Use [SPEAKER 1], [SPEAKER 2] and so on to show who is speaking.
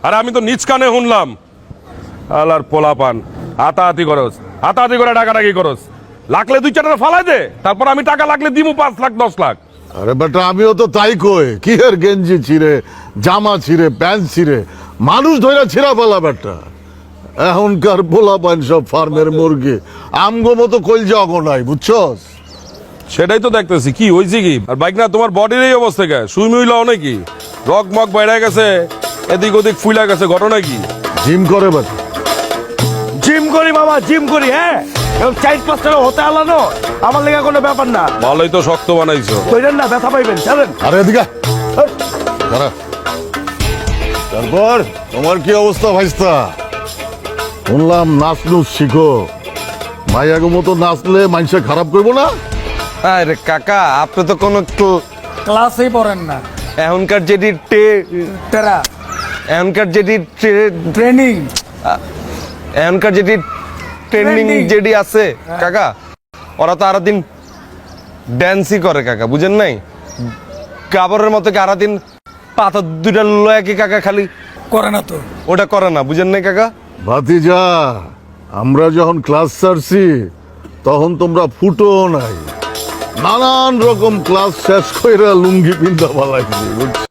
[SPEAKER 1] আর আমি তো নিজ কানে শুনলাম আলার পোলাপান হাতাহাতি করস, হাতাহাতি করে ডাকাডাকি করস, লাগলে 2-4 টাকা ফালাই দে, তারপর আমি টাকা লাগলে দিমু 5 লাখ 10 লাখ।
[SPEAKER 2] আরে বেটা আমিও তো তাই কই, কি এর গেঞ্জি ছিঁড়ে, জামা ছিঁড়ে, প্যান্ট ছিঁড়ে, মানুষ ধইরা ছিঁড়া ফেলা বেটা। এখনকার পোলাপান সব ফার্মের মুরগি, আমগো মতো কইলজা অগো নাই, বুঝছস?
[SPEAKER 1] সেটাই তো দেখতেছি, কি হয়েছে কি? আর বাইক না তোমার বডির এই অবস্থা কে? সুই মুইলাও নাকি? রক মক বাইরে গেছে, এদিক ওদিক ফুইলা গেছে, ঘটনা কি?
[SPEAKER 2] জিম করে বেটা।
[SPEAKER 3] জিম করি বাবা, জিম করি। হ্যাঁ, 4-5 টাকা হতে আলানো আমার লেগে কোনো ব্যাপার না।
[SPEAKER 1] ভালোই তো শক্ত বানাইছো।
[SPEAKER 3] কইরেন না, ব্যথা পাইবেন, চলেন।
[SPEAKER 2] আরে এদিকে দাঁড়া। তারপর তোমার কি অবস্থা ভাইস্তা? শুনলাম নাচ নুচ শিখো, মাইয়াগো মতো নাচলে মানুষে খারাপ করবো না?
[SPEAKER 4] আরে কাকা, আপনি তো কোনো
[SPEAKER 5] ক্লাসেই পড়েন না,
[SPEAKER 4] এখনকার যেটি
[SPEAKER 5] তেরা
[SPEAKER 4] এখনকার যেটি
[SPEAKER 5] ট্রেনিং।
[SPEAKER 4] এখনকার যেটি ট্রেন্ডিং
[SPEAKER 5] Trending।
[SPEAKER 4] যেটি আছে কাকা, ওরা তো আরো দিন ড্যান্সই করে কাকা, বুঝেন নাই? কাবরের মতো কি আরো দিন পাথর 2টা লয়া কি কাকা খালি
[SPEAKER 5] করে না তো।
[SPEAKER 4] ওটা করে না, বুঝেন নাই কাকা?
[SPEAKER 2] ভাতিজা, আমরা যখন ক্লাস ছাড়ছি তখন তোমরা ফুটো নাই, নানান রকম ক্লাস শেষ কইরা লুঙ্গি পিন্ধা পালাইছি, বুঝছো?